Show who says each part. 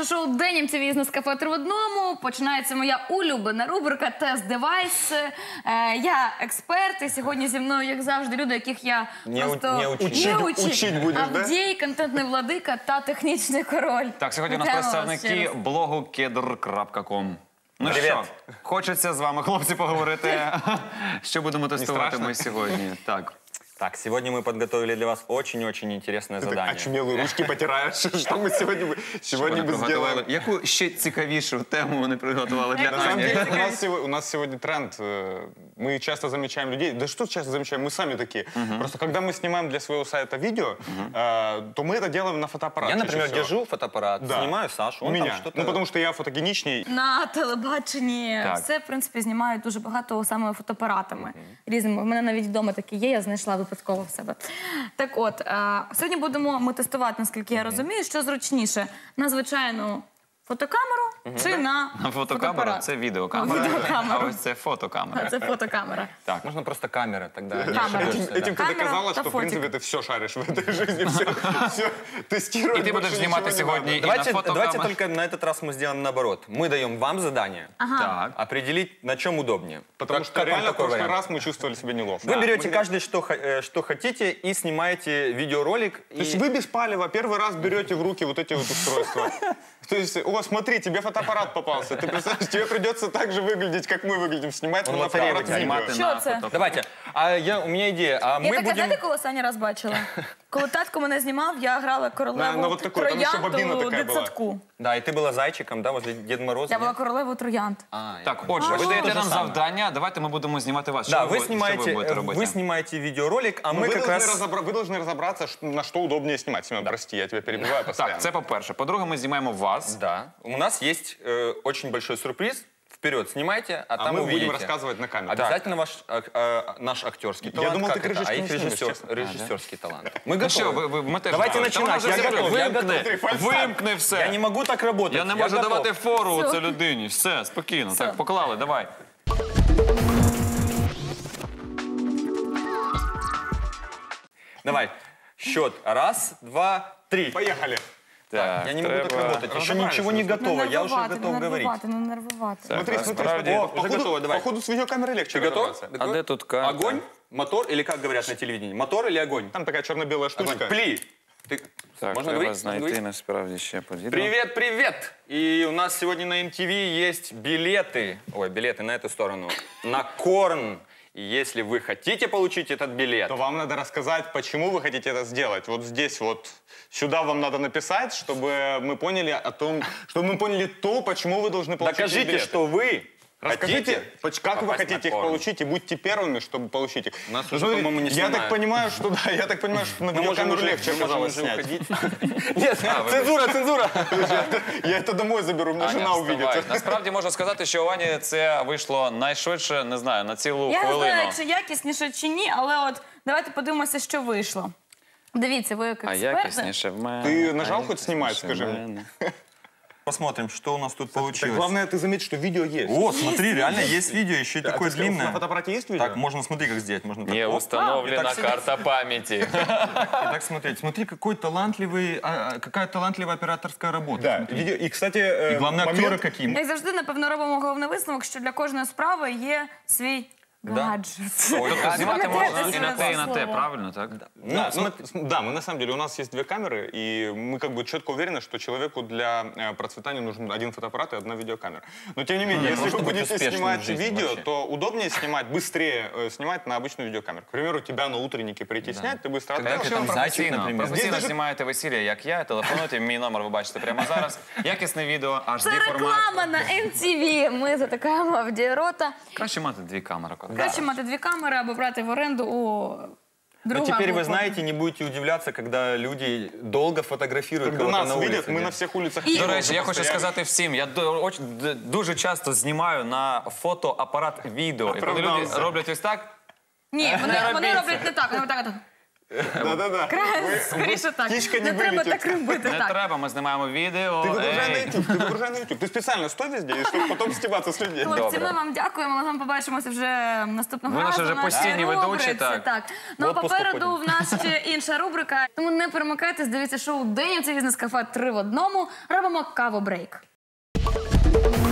Speaker 1: наше шоу «День МТВ з кафе 3 в одному». Починається моя улюблена рубрика «Тест-девайс». Я експерт, і сьогодні зі мною, як завжди, люди, яких я просто
Speaker 2: учить будеш,
Speaker 1: Авдій, контентний владика та технічний король.
Speaker 3: Так, сьогодні у нас представники блогу kedr.com. Ну що, хочеться з вами, хлопці, поговорити, що будемо тестувати ми сьогодні.
Speaker 2: Так, сегодня мы подготовили для вас очень-очень интересное задание.
Speaker 4: Очумелые ручки потираешь. Что мы сегодня бы сделали?
Speaker 3: Яку ще цікавішу тему вони приготували для
Speaker 4: На самом
Speaker 3: Ані?
Speaker 4: деле, у нас сегодня тренд. Мы часто замечаем людей. Да что часто замечаем? Мы сами такие. Просто когда мы снимаем для своего сайта видео, то мы это делаем на фотоаппарат.
Speaker 2: Я, например, держу фотоаппарат, снимаю Сашу, он там что-то...
Speaker 4: Ну, потому что я фотогеничней.
Speaker 1: На телебаченні все, в принципі, знімають дуже багато саме фотоапаратами різними. У мене навіть вдома такі є, я знайшла випадково в себе. Так от, сьогодні будемо ми тестувати, наскільки я розумію, що зручніше на звичайну фотокамеру чи на
Speaker 3: Фотокамера – це відеокамера, а ось це фотокамера.
Speaker 1: Це фотокамера.
Speaker 2: Так, можно просто камера, тогда...
Speaker 4: Этим ты доказала, что, в принципе, ты все шаришь в этой жизни, все тестируешь.
Speaker 3: І ти будеш знімати сьогодні і на фотокамеру.
Speaker 2: Давайте только на этот раз мы сделаем наоборот. Мы даем вам задание определить, на чем удобнее.
Speaker 4: Потому что реально в прошлый раз мы чувствовали себя неловко.
Speaker 2: Вы берете каждый что хотите и снимаете видеоролик.
Speaker 4: То есть вы без палева первый раз берете в руки вот эти вот устройства. То есть, о, смотри, тебе фотоаппарат попался. Ты представляешь, тебе придется так же выглядеть, как мы выглядим, снимать на фотоаппарат видео.
Speaker 1: Що це?
Speaker 2: Давайте. У меня идея.
Speaker 1: Я таке, знаєте, коли останній раз бачила? Коли татко мене знімав, я грала королеву троянду дитсадку.
Speaker 2: Да, и ты была зайчиком, да, возле Деда Мороза.
Speaker 1: Я була королевою троянд.
Speaker 3: Так, отже, ви даєте нам завдання, давайте ми будемо знімати вас.
Speaker 2: Да,
Speaker 3: Що ви будете робити?
Speaker 2: вы снимаете видеоролик, а мы как раз...
Speaker 4: Вы должны разобраться, на что удобнее снимать. Семен, прости, я тебя перебиваю постоянно.
Speaker 3: Так, це по-перше. По-друге, ми знімаємо вас.
Speaker 2: Да. У нас есть очень большой сюрприз. Вперед снимайте, а там
Speaker 4: мы
Speaker 2: увидите.
Speaker 4: будем рассказывать на камеру.
Speaker 2: Обязательно наш актерский талант.
Speaker 4: Я думал, ты крышечку
Speaker 2: их
Speaker 4: не снимешь,
Speaker 2: режиссерский талант. Мы
Speaker 3: Ну що,
Speaker 2: готовы.
Speaker 3: ми теж
Speaker 2: Давайте
Speaker 3: готові.
Speaker 2: начинать. Я готов.
Speaker 3: Вимкни все.
Speaker 2: Я не могу так работать.
Speaker 3: Я не можу давати фору це людині. Все, спокійно. Так, поклали, давай.
Speaker 2: Давай. Счет. Раз, два, три.
Speaker 4: Поехали.
Speaker 3: Так,
Speaker 2: Я не могу так работать. Еще ничего не готово. Я уже готов говорить.
Speaker 1: Не нервувати.
Speaker 4: Смотри,
Speaker 3: справді.
Speaker 2: Уже готово, давай.
Speaker 4: Походу с видеокамерой легче
Speaker 2: Ты готов?
Speaker 4: разобраться.
Speaker 3: А де тут карта?
Speaker 2: Огонь, мотор или как говорят на телевидении? Мотор или огонь?
Speaker 4: Там такая черно-белая штучка.
Speaker 2: Пли.
Speaker 3: Так,
Speaker 2: Можно
Speaker 3: треба
Speaker 2: говорить?
Speaker 3: знайти насправді ще по відео.
Speaker 2: Привет, привет! И у нас сегодня на MTV есть билеты. Ой, билеты на эту сторону. На Корн. И если вы хотите получить этот билет...
Speaker 4: То вам надо рассказать, почему вы хотите это сделать. Вот здесь вот, сюда вам надо написать, чтобы мы поняли о том, чтобы мы поняли то, почему вы должны получить эти
Speaker 2: Докажите,
Speaker 4: билеты.
Speaker 2: что вы
Speaker 4: Расскажите,
Speaker 2: хотите
Speaker 4: как вы
Speaker 2: попасть
Speaker 4: хотите
Speaker 2: на
Speaker 4: их
Speaker 2: Корн.
Speaker 4: получить, и будьте первыми, чтобы получить их.
Speaker 2: Нас
Speaker 4: Ну,
Speaker 2: уже,
Speaker 4: смотри,
Speaker 2: по-моему, не
Speaker 4: я
Speaker 2: снимают.
Speaker 4: так понимаю, что да, я так понимаю, что на видеокамеру легче оказалось снять.
Speaker 2: Нет, цензура, цензура!
Speaker 4: Я это домой заберу, мне жена
Speaker 3: Аня,
Speaker 4: увидит.
Speaker 3: вставай. Насправді можу сказати, що у Ані це вийшло найшвидше, не знаю, на цілу
Speaker 1: Я не
Speaker 3: хвилину.
Speaker 1: знаю, чи якісніше, чи ні, але от давайте подивимося, що вийшло. Дивіться, ви як
Speaker 3: А
Speaker 1: експерти.
Speaker 3: якісніше в мене.
Speaker 4: Ты нажал
Speaker 3: а
Speaker 4: хоть снимать,
Speaker 3: якісніше
Speaker 4: скажи
Speaker 3: в
Speaker 4: мне?
Speaker 3: мене.
Speaker 2: Посмотрим, что у нас тут
Speaker 4: Так
Speaker 2: получилось.
Speaker 4: главное, ты заметь, что видео есть.
Speaker 2: О, смотри, реально есть видео, еще и
Speaker 4: А
Speaker 2: такое
Speaker 4: ты
Speaker 2: длинное.
Speaker 4: На фотоаппарате есть видео?
Speaker 2: Так, можно, смотри, как сделать. Можно так.
Speaker 3: Не
Speaker 2: Оп,
Speaker 3: установлена
Speaker 2: и так
Speaker 3: карта памяти.
Speaker 2: и так смотреть. Смотри, какая талантливая операторская работа.
Speaker 4: Да,
Speaker 2: Смотри.
Speaker 4: видео. И, кстати,
Speaker 2: И главное, актеры какие.
Speaker 1: Як завжди, напевно, робимо головний висновок, що для кожної справи є свій гаджет.
Speaker 3: Тобто знімати можна і на те, і на те,
Speaker 1: Слово.
Speaker 3: правильно, так?
Speaker 4: Да, мы на самом деле, у нас есть две камеры, и мы как бы четко уверены, что человеку для процветания нужен один фотоаппарат и одна видеокамера. Но тем не менее, если вы будете снимать видео, то удобнее снимать, быстрее снимать на обычную видеокамеру. К примеру, тебя на утреннике прийти снять, ты быстро
Speaker 3: Якщо ви
Speaker 2: там зайчик, наприклад.
Speaker 3: професійно знімаєте весілля, як я, телефонуйте, мій номер ви бачите прямо зараз. Якісне відео,
Speaker 1: Це
Speaker 3: HD формат.
Speaker 1: реклама на MTV. Ми затикаємо Авдієрота.
Speaker 3: Краще мати дві камери.
Speaker 1: Краще мати дві камери або брати в оренду у
Speaker 2: Но
Speaker 1: друга.
Speaker 2: теперь
Speaker 1: або
Speaker 2: вы знаете, не будете удивляться, когда люди долго фотографируют
Speaker 4: Когда
Speaker 2: кого-то
Speaker 4: нас
Speaker 2: на
Speaker 4: видят,
Speaker 2: улице.
Speaker 4: мы
Speaker 2: да.
Speaker 4: на всех улицах.
Speaker 3: До речі, я хочу сказати всім, я дуже часто знімаю на фотоапарат відео. І коли люди роблять ось так,
Speaker 1: Ні, вони роблять не так, вони отак.
Speaker 4: Да-да-да.
Speaker 1: Скоріше так.
Speaker 4: птичка не
Speaker 1: Не треба
Speaker 4: вилетить.
Speaker 1: так робити.
Speaker 3: Не
Speaker 1: Так.
Speaker 3: треба, ми знімаємо відео.
Speaker 4: Ты выгружай на
Speaker 3: Ей.
Speaker 4: YouTube, ты выгружай на YouTube. Ты специально стой везде, чтобы потом стебаться с людей.
Speaker 1: Хлопці, ми вам дякуємо. Ми з вами побачимося вже наступного
Speaker 3: Ви
Speaker 1: разу.
Speaker 3: наші вже
Speaker 1: в нашій
Speaker 3: постійні ведучі,
Speaker 1: рубриці.
Speaker 3: так.
Speaker 1: Ну, а
Speaker 2: В отпуск
Speaker 1: попереду в нас ще інша рубрика. Тому не перемикайтесь, дивіться шоу «День» у бізнес-кафе 3 в одному. Робимо каву-брейк.